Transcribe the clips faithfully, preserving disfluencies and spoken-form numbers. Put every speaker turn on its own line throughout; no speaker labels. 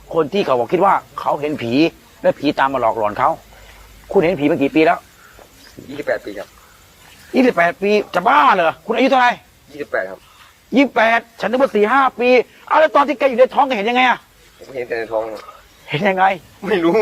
คนที่เขาบอกคิดว่าเขาเห็นผีและผีตามมาหลอกหลอนเขาคุณเห็นผีมากี่ปีแล้ว
ยี่สิบแปดปีครับ
ยี่สิบแปดปีจะบ้าเหรอคุณอายุเท่าไหร่
ยี่สิบแปดครับ
ยี่สิบแปดฉันนึกว่าสี่ห้าปีเอาแล้วตอนที่แกอยู่ในท้องแกเห็นยังไงอะ
ผมเห็นแต่ในท้อง
เห็นยังไง
ไม่รู้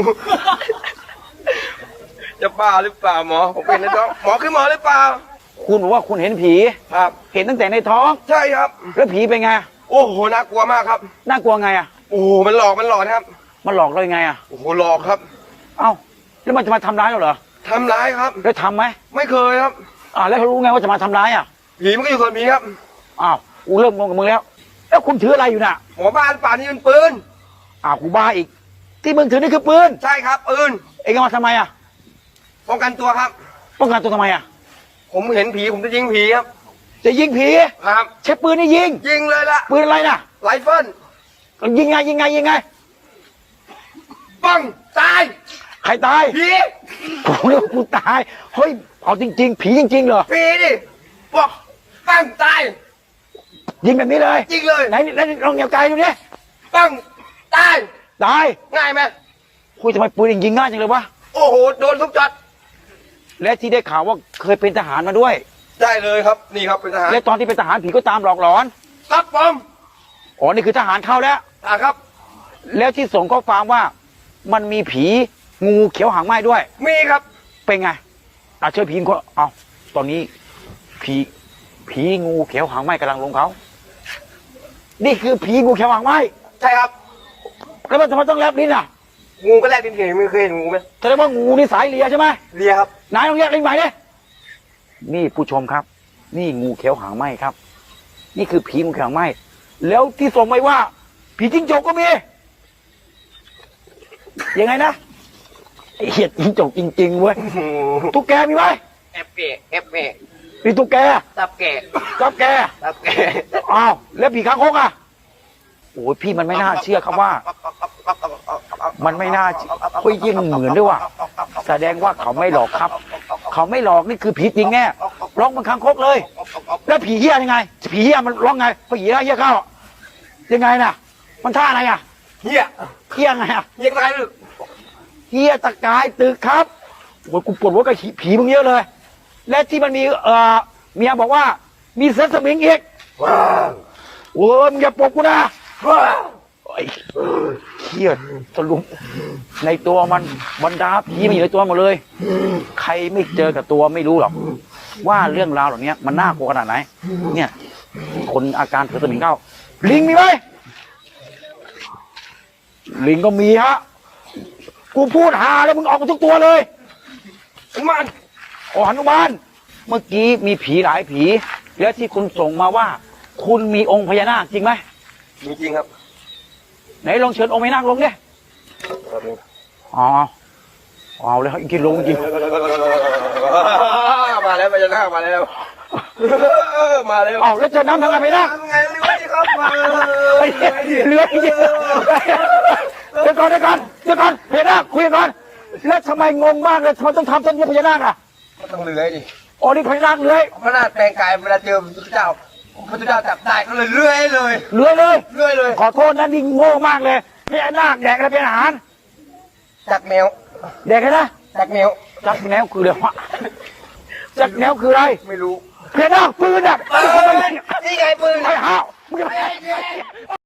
จะบ้าหรือเปล่าหมอผมเป็นในท้องหมอคือหมอหรือเปล่า
คุณบอกว่าคุณเห็นผี
ครับ
เห็นตั้งแต่ในท้อง
ใช่ครับ
แล้วผีเป็นไง
โอ้โหน่ากลัวมากครับ
น่ากลัวไงอะ
โอ้โหมันหลอกมันหลอกครับ
มันหลอกเรายังไงอะ
โอ้โหหลอกครับ
เอ้าแล้วมันจะมาทำร้ายเราเหรอ
ทำร้ายครับ
แล้วทำไหม
ไม่เคยครับ
อ่าแล้วเขารู้ไงว่าจะมาทำร้ายอ่ะ
ผีมันก็อยู่ส่วนผีครับ
อ้าวกูเริ่มงงกับมึงแล้วแล้วคุณถืออะไรอยู่น่ะ
หมอบ้านป่านนี้เป็นปืน
อ้าวกูบ้าอีกที่มึงถือนี่คือปืน
ใช่ครับปืน
เอ็งเอามาทำไมอ่ะ
ป้องกันตัวครับ
ป้องกันตัวทำไมอ่ะ
ผมเห็นผีผมจะยิงผีครับ
จะยิงผี
ครับ
ใช้ปืนนี่ยิง
ยิงเลยล่ะ
ปืนอะไรน่ะ
ไรเฟิล
ยิงไงยิงไงยิงไง
ปังตาย
ใครตาย
ผี
กูเรียกกูตายเฮ้ยเอาจริงๆผีจริงๆเหรอ
ผีดิบอกปังตาย
ยิงแบบนี้เลย
ยิงเลย
ไหนไหนลองเหยียบไกลดูดิ
ปังตาย
ตาย
ง่ายไหม
คุยทำไมปืนยิงง่ายจังเลยวะ
โอ้โหโดนทุกจัด
และที่ได้ข่าวว่าเคยเป็นทหารมาด้วย
ได้เลยครับนี่ครับเป็นทหาร
และตอนที่เป็นทหารผีก็ตามหลอกหลอน
ครับผม
อ๋อนี่คือทหารเข้าแล้ว
อ่าครับ
แล้วที่ส่งข้อความว่ามันมีผีงูเขียวหางไหม้ด้วย
มีครับ
เป็นไงอาเชิญผีก็เอาตอนนี้ผีผีงูเขียวหางไหม้กำลังลงเขานี่คือผีงูเขียวหางไหม้
ใช่ครับ
แล้วมันทำไมต้องแลบลิ้นอ่ะ
งูก็แลบลิ้นเห็นไม่เคยเห็นงูไหม
แสดงว่างูนี่สายเลียใช่ไหม
เลียครับ
นายต้องแลบลิ้นใหม่ดินี่ผู้ชมครับนี่งูเขียวหางไหม้ครับนี่คือผีงูเขียวหางไหม้แล้วที่ส่งไปว่าผีจิ้งจกก็มียังไงนะไอเหี้ยจิ้งจกจริงๆเว้ยตุ๊กแกมีไหม
เอฟเอเอฟเอ
มีตุ๊กแก
ตับแก
ตับแก
ตับแก
อ้าวแล้วผีคางคกอ่ะโอ้ยพี่มันไม่น่าเชื่อครับว่ามันไม่น่าเฮ้ยยิ่งเหมือนด้วยว่ะแสดงว่าเขาไม่หลอกครับเขาไม่หลอกนี่คือผีจริงแน่ร้องมันคางคกเลยแล้วผีเหี้ยยังไงผีเหี้ยมันร้องไงผีเหี้ยเหี้ยเข้ายังไงน่ะมันท่าอะไรอ่ะ
เหี้ย
เหี้ยไงอ่ะ
เหี้ยอะไรลูก
เหี้ยตะกายตึกครับโอ้ยกูปวดหัวกับผีมึงเยอะเลยและที่มันมีเอ่อเมียบอกว่ามีเซนสมิงอีกโอ้ยมึงอย่าปลุกกูนะไอ้เหี้ยสรุปในตัวมันบรรดาผีมันอยู่ในตัวหมดเลยใครไม่เจอกับตัวไม่รู้หรอกว่าเรื่องราวเหล่านี้มันน่ากลัวขนาดไหนเนี่ยคนอาการถือสมิงเข้าลิงมีไหมลิงก็มีฮะกูพูดหาแล้วมึงออกมาทุกตัวเลย
หนุมาน
อ๋อหนุมานเมื่อกี้มีผีหลายผีแล้วที่คุณส่งมาว่าคุณมีองค์พญานาคจริงไหม
จริงครับ
ไหนลองเชิญองค์พญานาคลงดิอ๋อเอาเลยจริงลงจริง
มาแล้วพญานาคมาแล้วมาแล้ว
เอาแล้วจะน้ำทำไงพญานาค
ไงเรือที่ครับมา
เรือจริงเดี๋ยวก่อนเดี๋ยวก่อนเดี๋ยวก่อนพญานาคคุยก่อนแล้วทำไมงงมากเลยทำไมต้องทำเส้นนี้พญานาคอ่ะ
ต้องเลื้อยดิ
อ๋อนี่พญานาคเลื้อย
พญานาคแปลงกายเวลาเจอพระเจ้าพระเจ้าจับได้ก็เลยเลื้อยเลย
เลื้อยเลย
เลื้อยเลย
ขอโทษนะนี่โง่มากเลยพญานาคแดกอะไรเป็นอาหาร
จักแมว
แดกอะไรนะ
จักแมว
จักแนวคืออะไรวะจักแนวคืออะไร
ไม่รู้
พญานาคปืนอ่ะ
นี่ไงปืน
ไอ้ห่าว